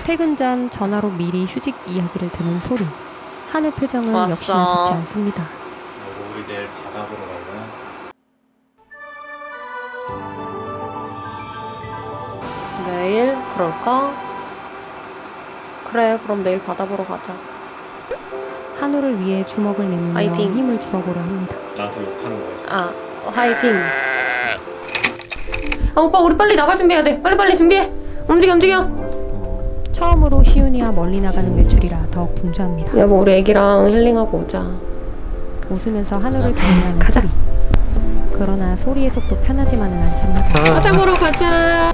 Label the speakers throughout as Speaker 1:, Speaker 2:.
Speaker 1: 퇴근 전 전화로 미리 휴직 이야기를 듣는 소리. 한우 표정은
Speaker 2: 왔어.
Speaker 1: 역시나 좋지 않습니다.
Speaker 3: 여보, 우리 내일 바다 보러 갈래?
Speaker 2: 내일? 그럴까? 그래, 그럼 내일 바다 보러 가자.
Speaker 1: 한우를 위해 주먹을 내밀며
Speaker 2: 파이팅.
Speaker 1: 힘을 주어보려 합니다.
Speaker 3: 나한테 욕하는 거야.
Speaker 2: 아, 화이팅. 아, 오빠 우리 빨리 나갈 준비해야 돼. 빨리빨리 준비해. 움직여, 움직여.
Speaker 1: 처음으로 시윤이와 멀리 나가는 외출이라 더욱 분주합니다.
Speaker 2: 여보, 우리 애기랑 힐링하고 오자.
Speaker 1: 웃으면서 한우를 격려하는
Speaker 2: 가자.
Speaker 1: 소리. 그러나 소리의 속도 편하지만은 않습니다.
Speaker 2: 바다 보러 가자.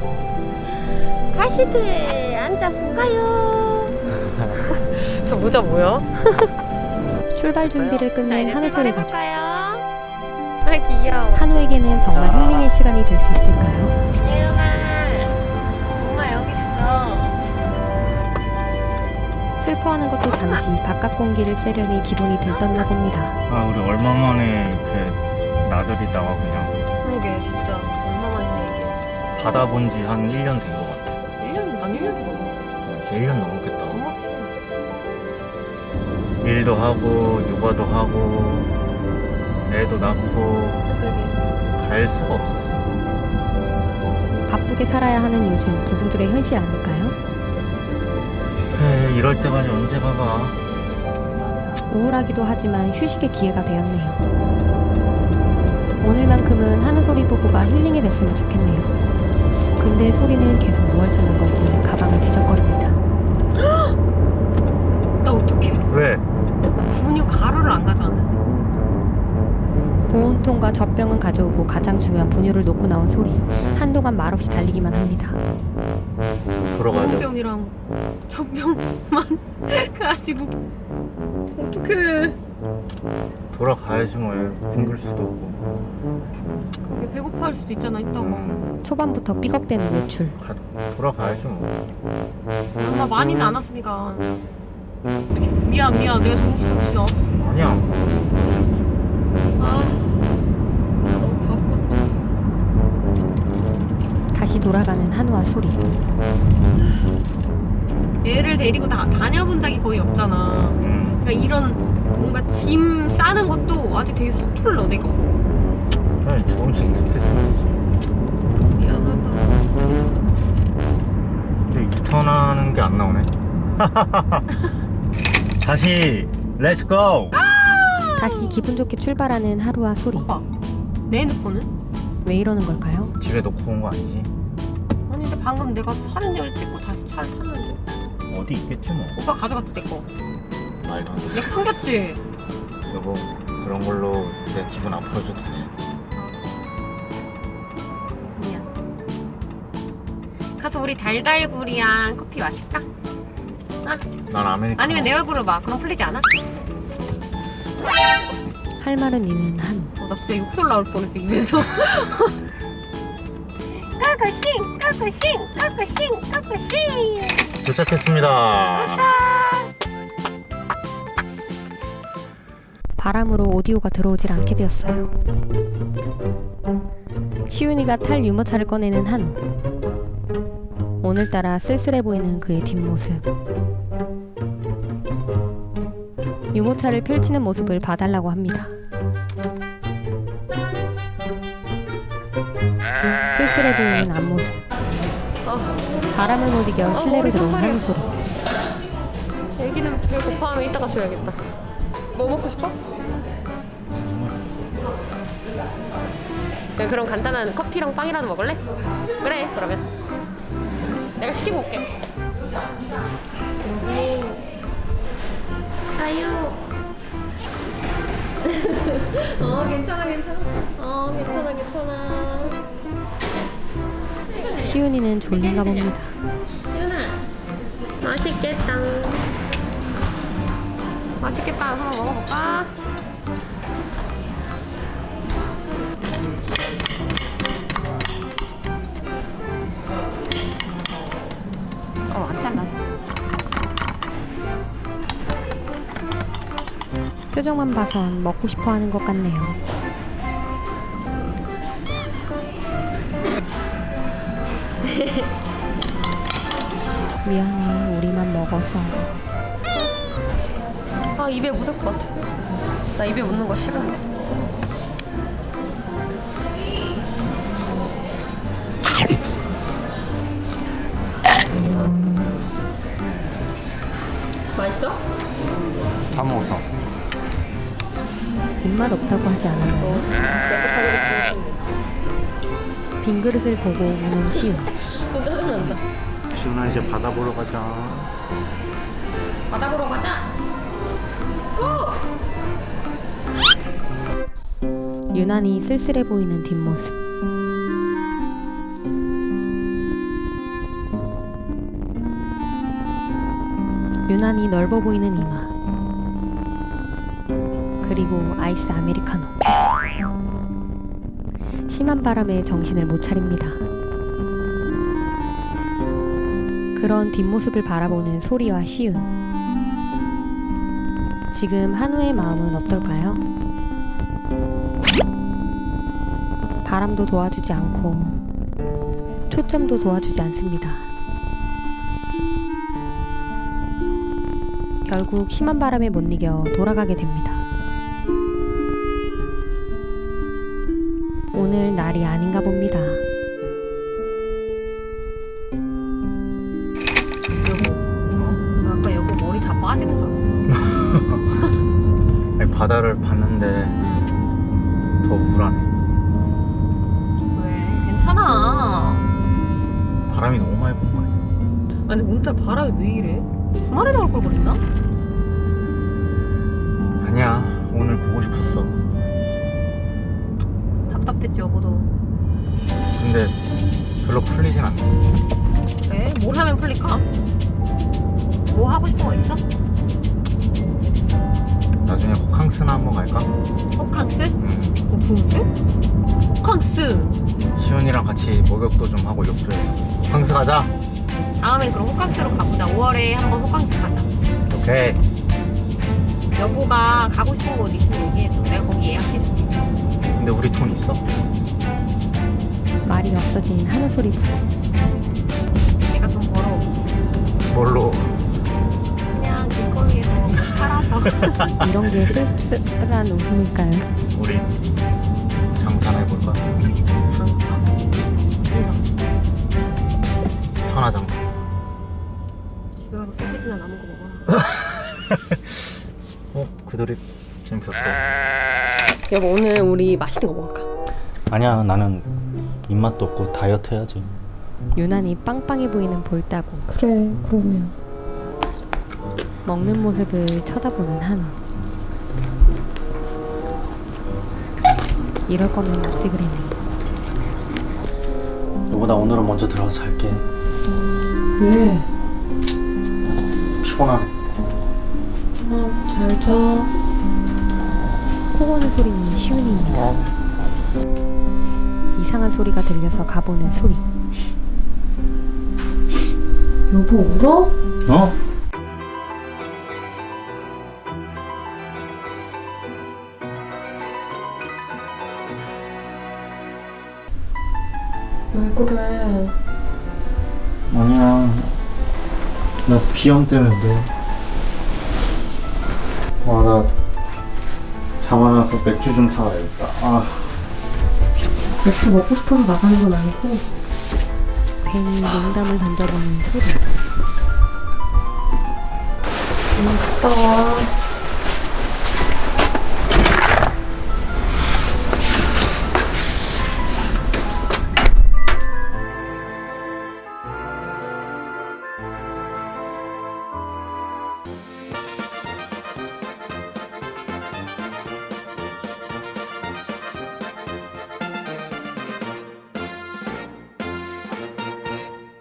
Speaker 2: 가시들 앉아볼까요? 저 모자 뭐야?
Speaker 1: 출발 준비를 끝낸 한우 소리 가족.
Speaker 2: 아, 귀여워.
Speaker 1: 한우에게는 정말 힐링의 시간이 될 수 있을까요?
Speaker 2: 예은아, 엄마 여기 있어.
Speaker 1: 슬퍼하는 것도 잠시 바깥 공기를 쐬려니 기분이 들떴나 봅니다.
Speaker 3: 아, 우리 얼마 만에 이렇게 나들이다가 그냥
Speaker 2: 그러게, 진짜 엄마만 얘기해.
Speaker 3: 바다 본 지 한 1년 된 것 같아.
Speaker 2: 1년, 난 1년도 넘어.
Speaker 3: 이제 1년 넘었겠다. 일도 하고 육아도 하고 애도 낳고 갈 수가 없었어.
Speaker 1: 바쁘게 살아야 하는 요즘 부부들의 현실 아닐까요?
Speaker 3: 에이, 이럴 때까지 언제 가봐.
Speaker 1: 우울하기도 하지만 휴식의 기회가 되었네요. 오늘만큼은 한우 소리 부부가 힐링이 됐으면 좋겠네요. 근데 소리는 계속 무얼 찾는 건지 가방을 뒤적거립니다.
Speaker 2: 나 어떡해.
Speaker 3: 왜?
Speaker 2: 분유 가루를 안 가져왔는데.
Speaker 1: 보온통과 젖병은 가져오고 가장 중요한 분유를 놓고 나온 소리. 한동안 말없이 달리기만 합니다.
Speaker 3: 돌아가야 돼.
Speaker 2: 병이랑 젖병만 가지고 어떡해.
Speaker 3: 돌아가야지 뭐. 굶길 수도 없고.
Speaker 2: 그게 배고파할 수도 있잖아, 이따가.
Speaker 1: 초반부터 삐걱대는 외출.
Speaker 3: 돌아가야지 뭐.
Speaker 2: 나 많이는 안 왔으니까. 미안 내가 정신없이 왔어.
Speaker 3: 아니야.
Speaker 2: 아, 너무 바빴다.
Speaker 1: 다시 돌아가는 한우와 소리.
Speaker 2: 애를 데리고 다녀본 적이 거의 없잖아. 그러니까 이런 뭔가 짐 싸는 것도 아직 되게 서툴러, 내가.
Speaker 3: 그냥 조금씩 익숙해져야지.
Speaker 2: 미안하다.
Speaker 3: 근데 유턴하는 게 안 나오네. 다시 렛츠고.
Speaker 1: 다시 기분 좋게 출발하는 하루와 소리.
Speaker 2: 오빠, 내 핸드폰은?
Speaker 1: 왜 이러는 걸까요?
Speaker 3: 집에 놓고 온 거 아니지?
Speaker 2: 아니 근데 방금 내가 사진을 찍고 다시 차를 탔는데
Speaker 3: 어디 있겠지 뭐.
Speaker 2: 오빠 가져갔지 내 거.
Speaker 3: 말도 안 돼.
Speaker 2: 내가 숨겼지.
Speaker 3: 여보, 그런 걸로 내 기분 아파줘도 돼.
Speaker 2: 미안. 가서 우리 달달구리랑 커피 마실까?
Speaker 3: 난 아메리카노.
Speaker 2: 아니면 내 얼굴을 봐. 그럼 풀리지 않아?
Speaker 1: 할 말은 이는 한우.
Speaker 2: 나 진짜 욕설 나올 뻔했어 입에서. 까꾸싱.
Speaker 3: 도착했습니다.
Speaker 1: 바람으로 오디오가 들어오질 않게 되었어요. 시윤이가 탈 유모차를 꺼내는 한우. 오늘따라 쓸쓸해 보이는 그의 뒷모습. 유모차를 펼치는 모습을 봐달라고 합니다. 쓸쓸해 보이는 앞모습. 바람을 못 이겨 실내로 들어온 한우 소리.
Speaker 2: 애기는 배고파하면 이따가 줘야겠다. 뭐 먹고 싶어? 그냥 그럼 간단한 커피랑 빵이라도 먹을래? 그래 그러면 내가 시키고 올게. 아유. 괜찮아. 괜찮아.
Speaker 1: 시윤이는 졸린가 봅니다.
Speaker 2: 유나 맛있겠다. 한번 먹어볼까? 안 잘라져.
Speaker 1: 표정만 봐선 먹고 싶어 하는 것 같네요. 미안해, 우리만 먹어서.
Speaker 2: 아, 입에 묻을 것 같아. 나 입에 묻는 거 싫은데. 맛있어?
Speaker 3: 다 먹었어.
Speaker 1: 입맛 없다고 하지 않았나요? 빈 그릇을 보고 우는 시우.
Speaker 2: 좀 짜증난다.
Speaker 3: 시훈아 이제 바다 보러 가자.
Speaker 2: 바다 보러 가자. 고!
Speaker 1: 유난히 쓸쓸해 보이는 뒷모습. 유난히 넓어 보이는 이마. 그리고 아이스 아메리카노. 심한 바람에 정신을 못 차립니다. 그런 뒷모습을 바라보는 소리와 시윤. 지금 한우의 마음은 어떨까요? 바람도 도와주지 않고 초점도 도와주지 않습니다. 결국 심한 바람에 못 이겨 돌아가게 됩니다. 오늘 날이 아닌가 봅니다.
Speaker 2: 여보, 아까 여보 머리 다 빠지는 줄 알았어.
Speaker 3: 아니, 바다를 봤는데 더 우울하네.
Speaker 2: 왜? 괜찮아.
Speaker 3: 바람이 너무 많이 분 거 아니야?
Speaker 2: 아니 오늘따라 바람이 왜 이래? 주말에 나올 걸 그랬나?
Speaker 3: 아니야, 오늘 보고 싶었어.
Speaker 2: 답답했지 여보도.
Speaker 3: 근데 별로 풀리진 않네.
Speaker 2: 그래? 뭘 하면 풀릴까? 뭐 하고 싶은 거 있어?
Speaker 3: 나중에 호캉스나 한번 갈까?
Speaker 2: 호캉스?
Speaker 3: 응.
Speaker 2: 좋은데? 호캉스.
Speaker 3: 시훈이랑 같이 목욕도 좀 하고 욕도 해. 호캉스 가자.
Speaker 2: 다음에 그럼 호캉스로 가보자. 5월에 한번 호캉스 가자.
Speaker 3: 오케이.
Speaker 2: 여보가 가고 싶은 곳 있으면 얘기해줘. 내가 거기 예약해줄게.
Speaker 3: 근데 우리 돈 있어?
Speaker 1: 말이 없어진 한우 소리 부부.
Speaker 2: 내가 돈 벌어.
Speaker 3: 뭘로?
Speaker 2: 그냥 길거리에서 뭐 팔아서.
Speaker 1: 이런 게 씁쓸한 웃음일까요?
Speaker 3: 우리 장사나 해볼까? 천하장사.
Speaker 2: 집에 가서 소시지나 남은 거 먹어라.
Speaker 3: 그 드립 재밌었어.
Speaker 2: 여보 오늘 우리 맛있는 거 먹을까?
Speaker 3: 아니야, 나는 입맛도 없고 다이어트 해야지.
Speaker 1: 유난히 빵빵해 보이는 볼따구.
Speaker 2: 그래 그러면.
Speaker 1: 먹는 모습을 쳐다보는 한우. 이럴 거면 없지 그랬네.
Speaker 3: 너보다 오늘은 먼저 들어가서 잘게.
Speaker 2: 왜?
Speaker 3: 피곤하네.
Speaker 2: 잘 자.
Speaker 1: 코 고는 소리는 시윤이입니다. 이상한 소리가 들려서 가보는 소리.
Speaker 2: 여보 울어?
Speaker 3: 어?
Speaker 2: 왜 그래?
Speaker 3: 아니야. 나 비염 때문에 그래. 나 잡아놔서 맥주 좀 사와야겠다.
Speaker 2: 맥주 먹고 싶어서 나가는 건 아니고.
Speaker 1: 괜히 농담을 던져보는 소리.
Speaker 2: 갔다 와.